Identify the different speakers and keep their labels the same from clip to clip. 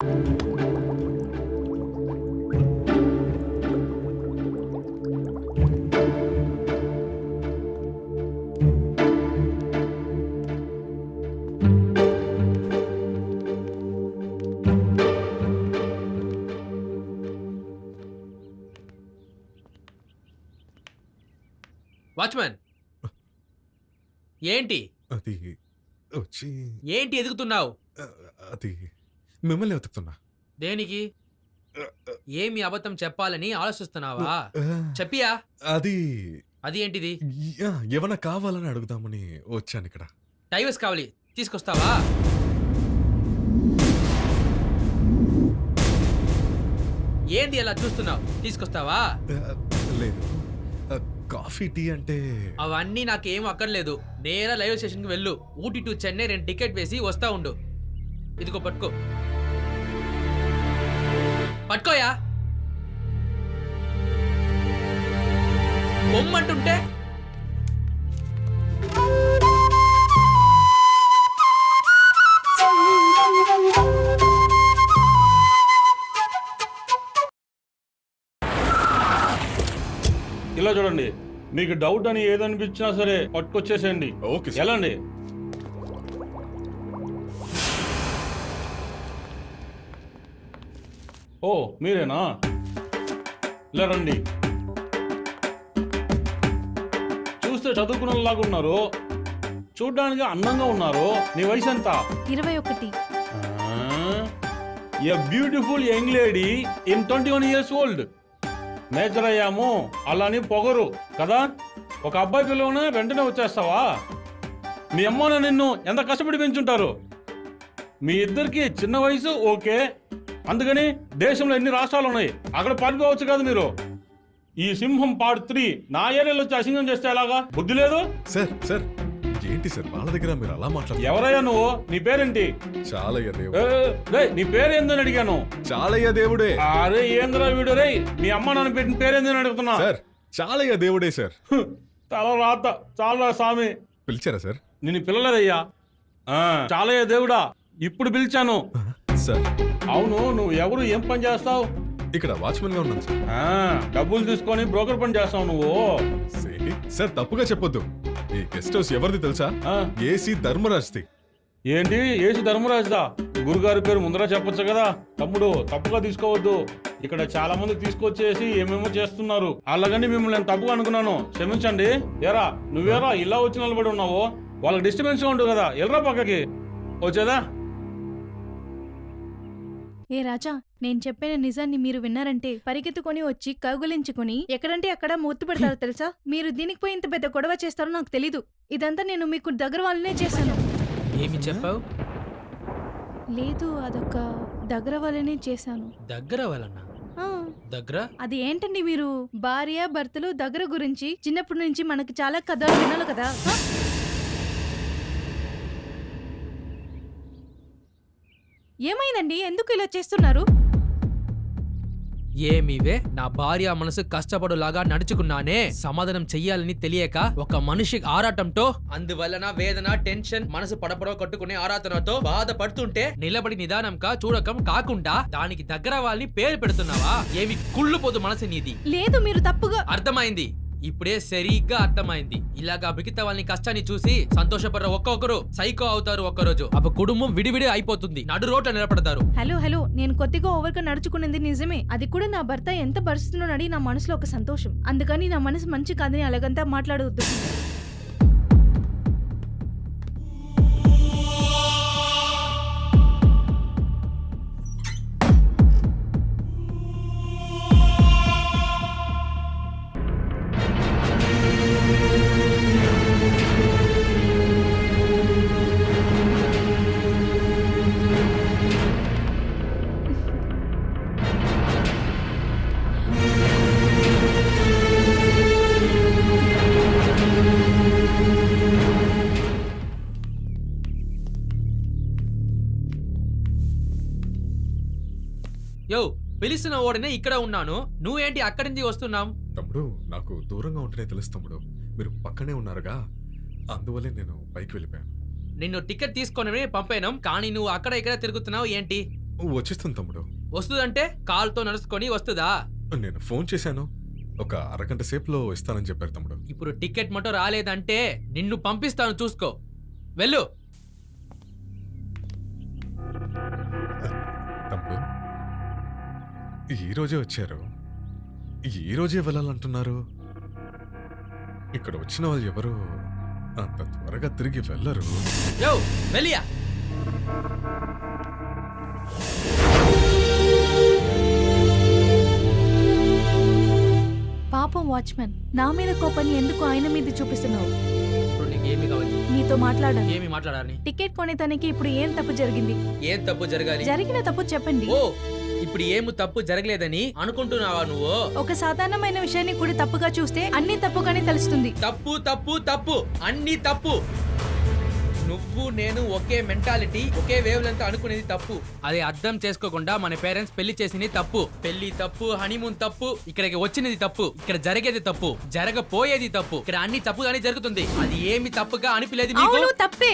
Speaker 1: Watchman ఏంటి
Speaker 2: అది వచ్చి
Speaker 1: ఏంటి ఎదుగుతున్నావు?
Speaker 2: అది మిమ్మల్ని వెతుకుతున్నా.
Speaker 1: దేనికి? ఏమి అబద్ధం చెప్పాలని ఆలోచిస్తున్నావా? చెప్పియా.
Speaker 2: అది
Speaker 1: అది ఏంటిది?
Speaker 2: ఏమన్నా కావాలని అడుగుదామని వచ్చాను ఇక్కడ.
Speaker 1: డైవర్స్ కావాలి, తీసుకొస్తావా? ఏంటి అలా చూస్తున్నావు? తీసుకొస్తావా?
Speaker 2: లేదు, కాఫీ టీ అంటే
Speaker 1: అవన్నీ నాకేం అక్కర్లేదు. నేరా రైల్వే స్టేషన్కి వెళ్ళు. ఊటీ టు చెన్నై 2 టికెట్ వేసి వస్తా ఉండు. ఇదిగో పట్టుకో. పట్టుకోయా. బొమ్మంటుంటే
Speaker 3: ఇలా చూడండి, మీకు డౌట్ అని ఏదనిపించినా సరే పట్టుకొచ్చేసేయండి.
Speaker 2: Okay sir.
Speaker 3: ఎలాండి? ఓ మీరేనా? ఇలా రండి. చూస్తే చదువుకున్నలాగా ఉన్నారు, చూడ్డానికి అందంగా ఉన్నారు. నీ వయసు ఎంత?
Speaker 4: 21.
Speaker 3: A beautiful young lady in 21 years old. Major అయ్యాము అలాని పొగరు కదా. ఒక అబ్బాయి పిల్లవనే వెంటనే వచ్చేస్తావా? మీ అమ్మను నిన్ను ఎంత కష్టపడి పెంచుంటారు. మీ ఇద్దరికి చిన్న వయసు ఓకే, అందుకని దేశంలో ఎన్ని రాష్ట్రాలు ఉన్నాయి, అక్కడ పారిపోవచ్చు కదా మీరు. ఈ సింహం పార్ట్ 3 నా ఏరియాలో వచ్చి అసింగం చేస్తే ఎలాగా? బుద్ధి లేదు.
Speaker 2: సార్ సార్ ఏంటి సార్ వాళ్ళ దగ్గర మీరు అలా మాట్లాడుతున్నారు?
Speaker 3: ఎవరయ్యా నువ్వు? నీ పేరేంటి?
Speaker 2: చాలయ్య దేవుడు.
Speaker 3: నీ పేరేందని అడిగాను.
Speaker 2: చాలయ్య దేవుడే.
Speaker 3: అరే ఏంద్రా వీడు రే, మీ అమ్మ నన్ను పెట్టిన పేరేందని అడుగుతున్నా.
Speaker 2: సార్ చాలయ్య దేవుడే సార్.
Speaker 3: తల రాత చాలా స్వామి.
Speaker 2: పిలిచారా సార్?
Speaker 3: నిన్ను పిల్లలేదయ్యా. చాలయ్య దేవుడా, ఇప్పుడు పిలిచాను.
Speaker 2: సార్
Speaker 3: అవును, నువ్వు ఎవరు, ఏం పని చేస్తావు?
Speaker 2: ఇక్కడ వాచ్మెన్ గా ఉన్నాను సార్.
Speaker 3: డబ్బులు తీసుకొని బ్రోకర్ పని చేస్తావు నువ్వు.
Speaker 2: సార్ తప్పుగా చెప్పొద్దు. ఈ గెస్ట్ హౌస్ ఎవరిది తెలుసా? ఏసీ ధర్మరాజ్ది.
Speaker 3: ఏంటి ఏసీ ధర్మరాజుదా? గురుగారి పేరు ముందర చెప్పొచ్చు కదా. తమ్ముడు తప్పుగా తీసుకోవద్దు. ఇక్కడ చాలా మంది తీసుకొచ్చేసి ఏమేమో చేస్తున్నారు. అలాగని మిమ్మల్ని నేను తప్పుగా అనుకున్నాను, క్షమించండి. ఏరా నువ్వేరా ఇలా వచ్చి నిలబడి ఉన్నావు? వాళ్ళకి డిస్టర్బెన్స్ గా ఉంటుంది కదా, ఎల్రా పక్కకి. వచ్చేదా?
Speaker 4: ఏ రాజా, నేను చెప్పిన నిజాన్ని మీరు విన్నారంటే పరిగెత్తుకొని వచ్చి కగులించుకొని ఎక్కడంటే అక్కడ మూర్తి పెడతారు తెలుసా. మీరు దీనికి పోయి ఇంత పెద్ద గొడవ చేస్తారో నాకు తెలీదు. ఇదంతా నేను మీకు దగ్గర వాళ్ళనే చేశాను.
Speaker 1: ఏమి చెప్పావు?
Speaker 4: లేదు, అదొక దగ్గర వాళ్ళనే చేశాను.
Speaker 1: దగ్గర వాళ్ళన్నా? దగ్గర
Speaker 4: అది ఏంటండి మీరు? భార్య భర్తలు దగ్గర గురించి చిన్నప్పటి నుంచి మనకి చాలా కథలు వినాలి కదా. ఏమైందండి, ఎందుకు ఇలా చేస్తున్నారు?
Speaker 1: ఏమివే, నా భార్య మనసు కష్టపడులాగా నడుచుకున్నానే. సమాధానం చెయ్యాలని తెలియక ఒక మనిషి ఆరాటంతో, అందువలన వేదన, టెన్షన్, మనసు పడపడో కట్టుకునే ఆరాధనతో బాధపడుతుంటే నిలబడి నిదానంగా చూడకం కాకుండా దానికి దగ్గర వాళ్ళని పేరు పెడుతున్నావా? ఏమి కుళ్ళుపోదు మనసు నీది.
Speaker 4: లేదు, మీరు తప్పుగా.
Speaker 1: అర్థమైంది, ఇప్పుడే సరిగ్గా అర్థమైంది. ఇలాగా మిగతా వాళ్ళని కష్టాన్ని చూసి సంతోషపడ్డ ఒక్కొక్కరు సైకో అవుతారు. ఒక్కరోజు అప్పుడు కుటుంబం విడివిడి అయిపోతుంది, నడు రోడ్ల నిలబడతారు.
Speaker 4: హలో, నేను కొద్దిగా ఓవర్గా నడుచుకునేది నిజమే. అది కూడా నా భర్త ఎంత భరిస్తున్నాడని నా మనసులో ఒక సంతోషం. అందుకని నా మనసు మంచి కాదని అలాగంతా మాట్లాడవద్దు.
Speaker 1: యో, పిలిచిన ఓడనే ఇక్కడ ఉన్నాను, నువ్వేంటి అక్కడి నుంచి వస్తున్నావు?
Speaker 2: తమ్ముడు నాకు దూరంగా ఉంటేనే తెలుసు తమ్ముడు, మీరు పక్కనే ఉన్నారుగా, అందువల్లే నేను పైకి వెళ్ళిపోయాను.
Speaker 1: నిన్ను టికెట్ తీసుకొని పంపాను, కానీ నువ్వు అక్కడ ఇక్కడ తిరుగుతున్నావు ఏంటి?
Speaker 2: వచ్చేస్తుంది తమ్ముడు.
Speaker 1: వస్తుందంటే కాల్తో నడుచుకొని వస్తుందా?
Speaker 2: నేను ఫోన్ చేశాను, ఒక అరగంట సేపులో ఇస్తానని చెప్పారు తమ్ముడు.
Speaker 1: ఇప్పుడు టికెట్ మటో రాలేదంటే నిన్ను పంపిస్తాను, చూసుకో. వెళ్ళు.
Speaker 2: తమ్ముడు ఈ రోజే వచ్చారు, ఈ రోజే వెళ్ళాలంటున్నారు. ఇక్కడ వచ్చిన వాళ్ళు ఎవరు అంత త్వరగా తిరిగి వెళ్ళరు.
Speaker 1: యో వెళ్ళియా.
Speaker 4: పాపం వాచ్మెన్, నా మీద కోపాన్ని ఎందుకు ఆయన మీద చూపిస్తున్నావు?
Speaker 1: ఇప్పుడు నీకు ఏమి కావాలి?
Speaker 4: నీతో మాట్లాడాలి.
Speaker 1: ఏమి మాట్లాడాలి?
Speaker 4: టికెట్ కొనే తనకి ఇప్పుడు ఏం తప్పు జరిగింది?
Speaker 1: ఏం తప్పు జరగాలి?
Speaker 4: జరిగిన తప్పు చెప్పండి.
Speaker 1: ఓ, ఇప్పుడు ఏమి తప్పు జరగలేదని అనుకుంటున్నావా నువ్వు?
Speaker 4: ఒక సాధారణమైన విషయాన్ని కూడా తప్పుగా చూస్తే అన్ని తప్పుగానే తెలుస్తుంది.
Speaker 1: తప్పు తప్పు తప్పు, అన్ని తప్పు. నువ్వు నేను ఒకే మెంటాలిటీ, ఒకే వేవ్ లెంత్ అనుకునేది తప్పు. అది అర్థం చేసుకోకుండా మన పేరెంట్స్ పెళ్లి చేసింది తప్పు. పెళ్లి తప్పు, హనీమూన్ తప్పు, ఇక్కడికి వచ్చినది తప్పు, ఇక్కడ జరిగేది తప్పు, జరగపోయేది తప్పు. ఇక్కడ అన్ని తప్పుగానే జరుగుతుంది. అది ఏమి తప్పుగా అనిపించలేదు మీకు?
Speaker 4: అవును, తప్పే.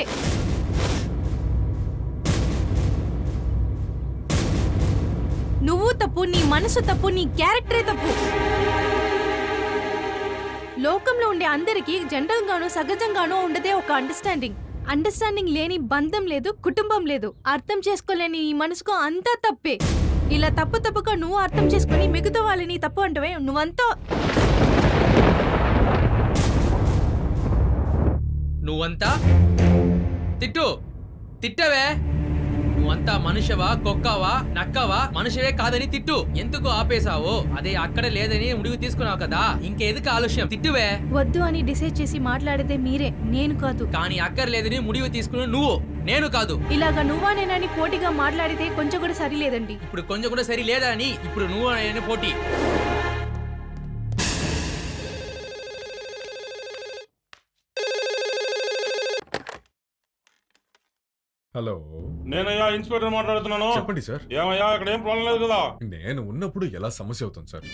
Speaker 4: నువ్వు తప్పు, నీ మనసు తప్పు, నీ క్యారెక్టరే తప్పు. లోకంలో ఉండే అందరికీ జనరల్ గానో సహజంగానో ఉండదే ఒక అండర్స్టాండింగ్ లేని బంధం లేదు, కుటుంబం లేదు. అర్థం చేసుకోలేని ఈ మనసుకు అంతా తప్పే. ఇలా తప్పుగా నువ్వు అర్థం చేసుకుని మిగతా వాళ్ళని తప్పు అంటవే,
Speaker 1: నువ్వంతా తిట్టవే. నువ్వంతా మనుషవా, కుక్కవా, నక్కవా? మనుషవే కాదని తిట్టు. ఎందుకు ఆపేశావో? అదే అక్కడ లేదని ముడివి తీసుకున్నావు కదా, ఇంకెందుకు ఆలస్యం? తిట్టువే.
Speaker 4: వద్దు అని డిసైడ్ చేసి మాట్లాడితే మీరే, నేను కాదు.
Speaker 1: కానీ అక్కర్లేదని ముడివి తీసుకుని నువ్వు, నేను కాదు.
Speaker 4: ఇలాగా నువ్వా నేనని పోటీగా మాట్లాడితే కొంచెం కూడా సరిలేదండి.
Speaker 1: ఇప్పుడు కొంచెం కూడా సరి లేదా అని ఇప్పుడు నువ్వు నేను పోటీ.
Speaker 2: హలో,
Speaker 3: నేనయ్యా ఇన్స్పెక్టర్ మాట్లాడుతున్నాను.
Speaker 2: చెప్పండి సార్.
Speaker 3: ఏమయ్యా, ఇక్కడ ఏం ప్రాబ్లం లేదు కదా?
Speaker 2: నేను ఉన్నప్పుడు ఎలా సమస్య అవుతుంది సార్?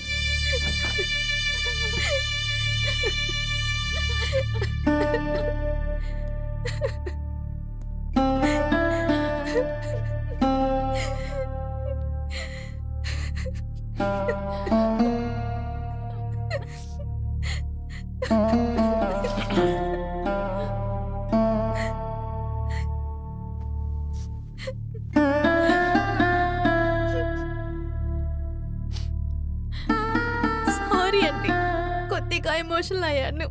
Speaker 4: సారీ అండి, కొద్దిగా ఎమోషనల్ అయ్యాను.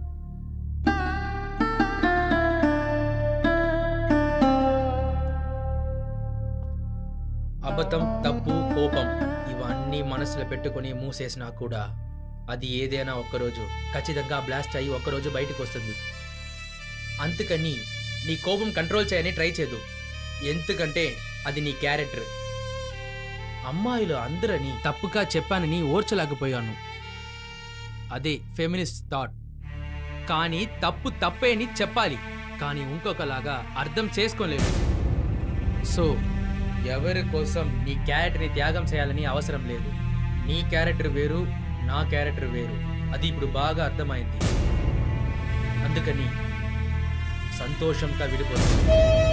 Speaker 1: అబద్ధం, తప్పు, కోపం ఇవన్నీ మనసులో పెట్టుకుని మూసేసినా కూడా అది ఏదైనా ఒక్కరోజు ఖచ్చితంగా బ్లాస్ట్ అయ్యి ఒక్కరోజు బయటకు వస్తుంది. అందుకని నీ కోపం కంట్రోల్ చేయని ట్రై చేయదు, ఎందుకంటే అది నీ క్యారెక్టర్. అమ్మాయిలు అందరని తప్పుగా చెప్పానని ఓర్చలేకపోయాను, అదే ఫెమినిస్ట్ థాట్. కానీ తప్పు తప్పే అని చెప్పాలి, కానీ ఇంకొకలాగా అర్థం చేసుకోలేను. సో ఎవరి కోసం నీ క్యారెక్టర్ని త్యాగం చేయాలని అవసరం లేదు. నీ క్యారెక్టర్ వేరు, నా క్యారెక్టర్ వేరు, అది ఇప్పుడు బాగా అర్థమైంది. అందుకని సంతోషంగా విడిపోతుంది.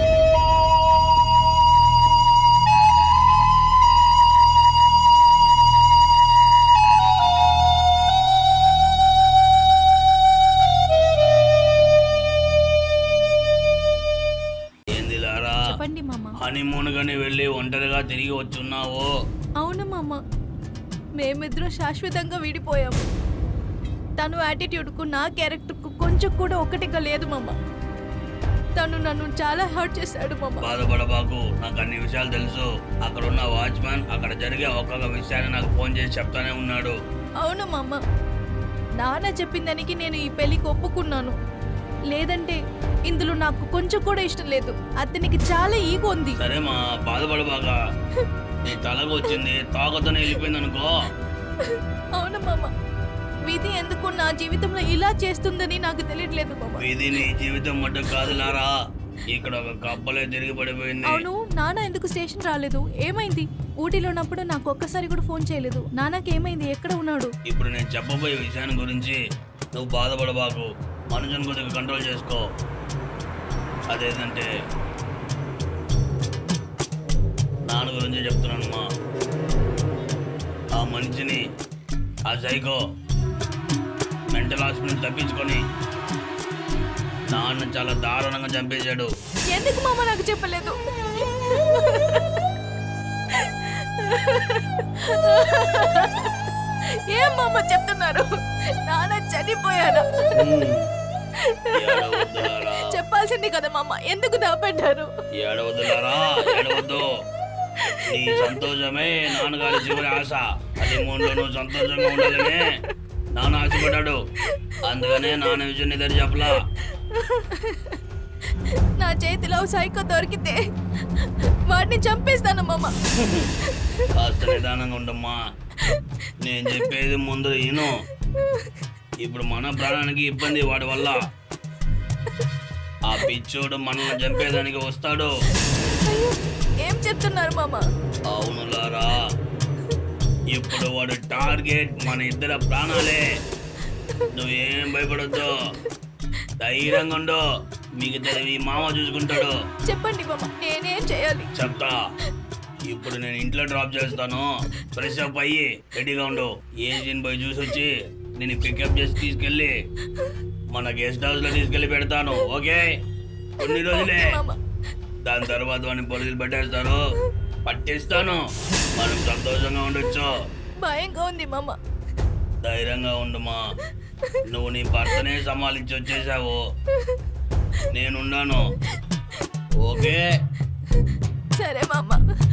Speaker 4: చెప్పండి మామ.
Speaker 5: హనీమూన్ గాని వెళ్ళి ఒంటరిగా తిరిగి వచ్చున్నావు.
Speaker 4: అవును మామ, మేమిద్దరం శాశ్వతంగా విడిపోయాము. తను యాటిట్యూడ్కు నా క్యారెక్టర్కు కొంచెం కూడా ఒకటిగా లేదు మామ. తను నన్ను చాలా హర్ట్ చేశాడు మామ.
Speaker 5: బాధపడబాకు, నాకు అన్ని విషయాలు తెలుసు. అక్కడ ఉన్న వాచ్మెన్ అక్కడ జరిగే ఒక్కొక్క విషయాన్ని నాకు ఫోన్ చేసి చెప్తానే ఉన్నాడు.
Speaker 4: అవును మామ, నాన్న చెప్పిన దానికి నేను ఈ పెళ్లికి ఒప్పుకున్నాను. లేదంటే ఇందులో నాకు కొంచెం కూడా ఇష్టం లేదు. అతనికి చాలా ఈగో ఉంది.
Speaker 5: సరే మా, బాధపడబాక. నీ తలకు వచ్చింది, తాగుతూనే వెళ్ళిపోయింది అనుకో.
Speaker 4: అవును మామ, విధి ఎందుకు నా జీవితంలో ఇలా చేస్తుందని నాకు తెలియట్లేదు మామ.
Speaker 5: ఇది నీ జీవితం మట్టు కాదు లారా, ఇక్కడ ఒక కప్పలే తిరిగి పడిపోయింది.
Speaker 4: అవును, నాన్న ఎందుకు స్టేషన్ రాలేదు? ఏమైంది? ఊటీలో ఉన్నప్పుడు నాకు ఒక్కసారి కూడా ఫోన్ చేయలేదు. నాన్నకి ఏమైంది? ఎక్కడ ఉన్నాడు?
Speaker 5: ఇప్పుడు నేను చెప్పబోయే విషయాన్ని గురించి నువ్వు బాధపడబాకు. మనుషుని కొద్దిగా కంట్రోల్ చేసుకో. అదేంటంటే నాన్న గురించి చెప్తున్నానమ్మా. ఆ మనిషిని, ఆ సైకో మెంటల్ హాస్పిటల్ తప్పించుకొని నాన్న చాలా దారుణంగా చంపేశాడు.
Speaker 4: ఎందుకు మామ నాకు చెప్పలేదు? ఏం మామ చెప్తున్నారు? నాన్న చనిపోయారా?
Speaker 5: ఏడవద్దులారా,
Speaker 4: చెప్పాల్సింది కదా మామ, ఎందుకు దాపెట్టారు?
Speaker 5: ఏడవద్దులారా, ఏడవద్దు. నీ సంతోషమే నాన్నగారి చివరి ఆశ. అది మూడులో నువ్వు సంతోషంగా ఉండాలనే నాన్న ఆశపడ్డాడు. అందుకనే నాన్న విషయం నీ దగ్గర చెప్పలా.
Speaker 4: నా చేతిలో సైకో దొరికితే వాడిని చంపేస్తాను మామ.
Speaker 5: కాస్త నిదానంగా ఉండమ్మా. నేను చెప్పేది ముందు ఈను. ఇప్పుడు మన ప్రాణానికి ఇబ్బంది వాడి వల్ల. ఆ పిచ్చోడు మనల్ని చంపేదానికి వస్తాడు.
Speaker 4: అయ్యో, ఏం చెప్తున్నారు మామ?
Speaker 5: అవునులారా, ఇప్పుడు వాడు టార్గెట్ మన ఇద్దరు ప్రాణాలే. నువ్వేం భయపడొద్దు, ధైర్యంగా ఉండు. మిగతా ఈ మామ చూసుకుంటాడు.
Speaker 4: చెప్పండి మామ, నేనేం చేయాలి?
Speaker 5: చెప్తా. ఇప్పుడు నేను ఇంట్లో డ్రాప్ చేస్తాను. ఫ్రెష్ అప్ అయ్యి రెడీగా ఉండు. ఏజెన్ పోయి చూసి వచ్చి నేను పికప్ చేసి తీసుకెళ్ళి మన గెస్ట్ హౌస్ లో తీసుకెళ్ళి పెడతాను. ఓకే? కొన్ని రోజులే.
Speaker 4: ఓకే మామ.
Speaker 5: దాని తర్వాత వాడిని పోలీసులు పెట్టేస్తారు, పట్టిస్తాను. మనం సంతోషంగా ఉండొచ్చు.
Speaker 4: భయంగా ఉంది మామ.
Speaker 5: ధైర్యంగా ఉండుమా. నువ్వు నీ భర్తనే సమాలించి వచ్చేసావు. నేనున్నాను. ఓకే?
Speaker 4: సరే మామ.